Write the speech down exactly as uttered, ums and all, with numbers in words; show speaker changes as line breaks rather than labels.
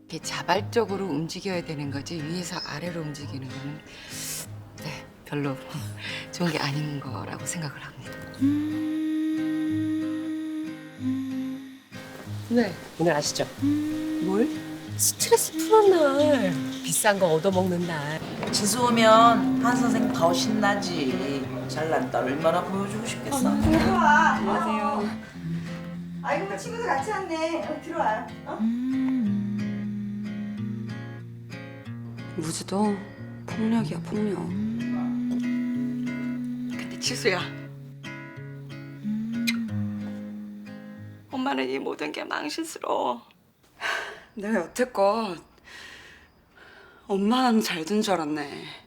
이렇게 자발적으로 움직여야 되는 거지 위에서 아래로 움직이는 거는 네 별로 좋은 게 아닌 거라고 생각을 합니다.
네, 오늘 아시죠?
뭘?
스트레스 푸는 날, 비싼 거 얻어먹는 날.
지수 오면 한 선생 더 신나지. 잘난 딸 얼마나 보여주고 싶겠어.
들어와. 안녕하세요. 아이고 뭐 친구들 같이 왔네. 어, 들어와. 어?
무지도 폭력이야 폭력.
근데 지수야, 엄마는 이 모든 게 망신스러워.
내가 여태껏 엄마는 잘 둔 줄 알았네.